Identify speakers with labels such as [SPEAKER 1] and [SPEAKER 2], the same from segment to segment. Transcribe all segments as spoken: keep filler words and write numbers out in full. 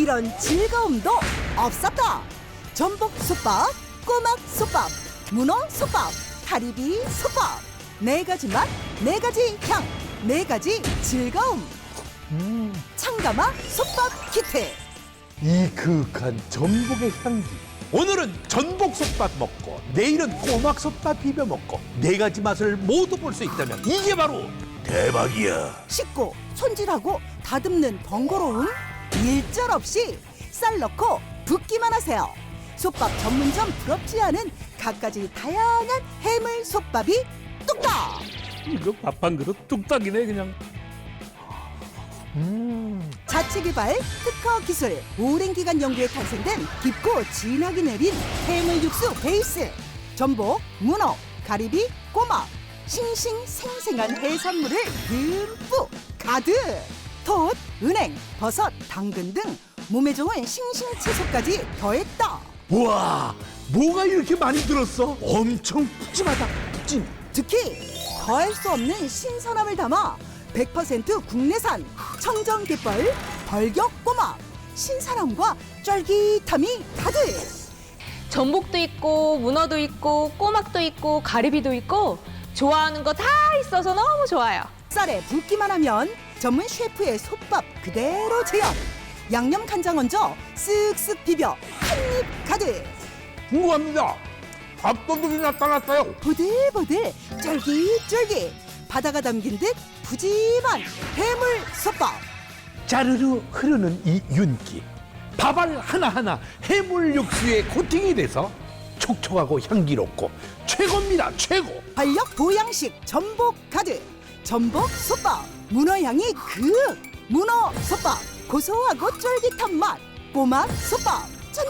[SPEAKER 1] 이런 즐거움도 없었다. 전복 솥밥, 꼬막 솥밥, 문어 솥밥, 가리비 솥밥. 네 가지 맛, 네 가지 향, 네 가지 즐거움.
[SPEAKER 2] 음,
[SPEAKER 1] 창가마 솥밥 키트.
[SPEAKER 2] 이 그윽한 전복의 향기. 오늘은 전복솥밥 먹고 내일은 꼬막솥밥 비벼 먹고 네 가지 맛을 모두 볼 수 있다면 이게 바로 대박이야.
[SPEAKER 1] 씻고 손질하고 다듬는 번거로움 일절 없이 쌀 넣고 붓기만 하세요. 솥밥 전문점 부럽지 않은 갖가지 다양한 해물 솥밥이 뚝딱.
[SPEAKER 3] 이거 밥 한 그릇 뚝딱이네 그냥.
[SPEAKER 2] 음,
[SPEAKER 1] 자체 개발 특허 기술 오랜 기간 연구에 탄생된 깊고 진하게 내린 해물 육수 베이스. 전복, 문어, 가리비, 꼬막, 싱싱생생한 해산물을 듬뿍 가득. 톳, 은행, 버섯, 당근 등 몸에 좋은 싱싱 채소까지 더했다.
[SPEAKER 2] 우와, 뭐가 이렇게 많이 들었어? 엄청 푸짐하다. 푸짐.
[SPEAKER 1] 특히 더할 수 없는 신선함을 담아 백 퍼센트 국내산 청정갯벌 벌격꼬막. 신선함과 쫄깃함이 가득.
[SPEAKER 4] 전복도 있고 문어도 있고 꼬막도 있고 가리비도 있고 좋아하는 거 다 있어서 너무 좋아요.
[SPEAKER 1] 쌀에 붓기만 하면 전문 셰프의 솥밥 그대로 재현. 양념 간장 얹어 쓱쓱 비벼 한입 가득.
[SPEAKER 2] 궁금합니다. 밥도둑이 나타났어요.
[SPEAKER 1] 보들보들 쫄깃쫄깃 바다가 담긴 듯 푸짐한 해물 솥밥.
[SPEAKER 2] 짜르르 흐르는 이 윤기. 밥알 하나하나 해물 육수에 코팅이 돼서 촉촉하고 향기롭고 최고입니다. 최고.
[SPEAKER 1] 활력 보양식 전복 가득. 전복 솥밥. 문어 향이 극. 문어 솥밥. 고소하고 쫄깃한 맛. 꼬막 솥밥.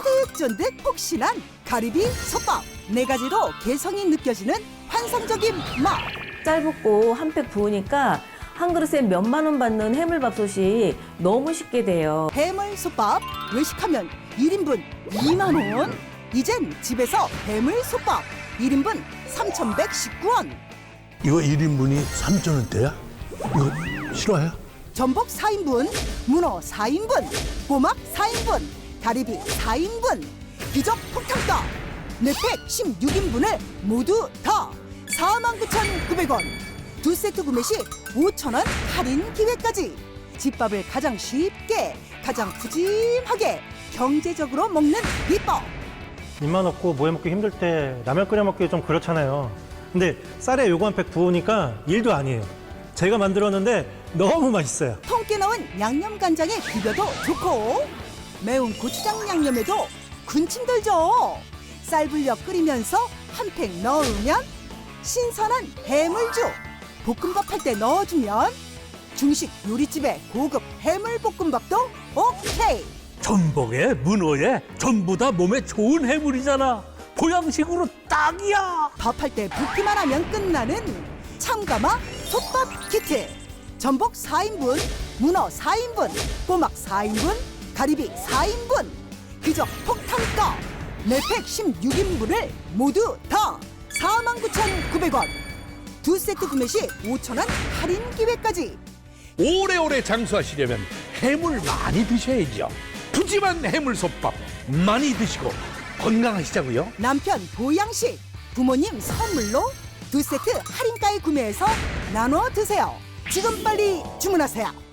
[SPEAKER 1] 쫀득쫀득 폭신한 가리비 솥밥. 네 가지로 개성이 느껴지는 환상적인 맛.
[SPEAKER 5] 쌀 붓고 한 팩 부으니까 한 그릇에 몇만 원 받는 해물밥솥이 너무 쉽게 돼요.
[SPEAKER 1] 해물 솥밥. 외식하면 일 인분 이만 원. 이젠 집에서 해물 솥밥. 일 인분 삼천백십구 원.
[SPEAKER 2] 이거 일 인분이 삼천 원대야? 이거 실화야?
[SPEAKER 1] 전복 사 인분, 문어 사 인분, 꼬막 사 인분, 가리비 사 인분. 기적 폭탄가. 네 팩 십육 인분을 모두 다 사만 구천구백 원. 두 세트 구매 시 오천 원 할인 기회까지. 집밥을 가장 쉽게, 가장 푸짐하게, 경제적으로 먹는 비법.
[SPEAKER 6] 입만 없고 뭐해 먹기 힘들 때 라면 끓여 먹기 좀 그렇잖아요. 근데 쌀에 요거 한 팩 부으니까 일도 아니에요. 제가 만들었는데 너무 맛있어요.
[SPEAKER 1] 통깨 넣은 양념 간장에 비벼도 좋고 매운 고추장 양념에도 군침 돌죠. 쌀 불려 끓이면서 한 팩 넣으면 신선한 해물죽. 볶음밥 할 때 넣어주면 중식 요리집의 고급 해물 볶음밥도 오케이.
[SPEAKER 3] 전복에 문어에 전부 다 몸에 좋은 해물이잖아. 보양식으로 딱이야.
[SPEAKER 1] 밥할 때 붓기만 하면 끝나는 참가마 솥밥 키트. 전복 사 인분, 문어 사 인분, 꼬막 사 인분, 가리비 사 인분. 기적 폭탄가. 네 팩 십육 인분을 모두 다 사만 구천구백 원. 두 세트 구매 시 오천 원 할인 기회까지.
[SPEAKER 2] 오래오래 장수하시려면 해물 많이 드셔야죠. 푸짐한 해물솥밥 많이 드시고 건강하시자고요.
[SPEAKER 1] 남편 보양식, 부모님 선물로 두 세트 할인가에 구매해서 나눠 드세요. 지금 빨리 주문하세요.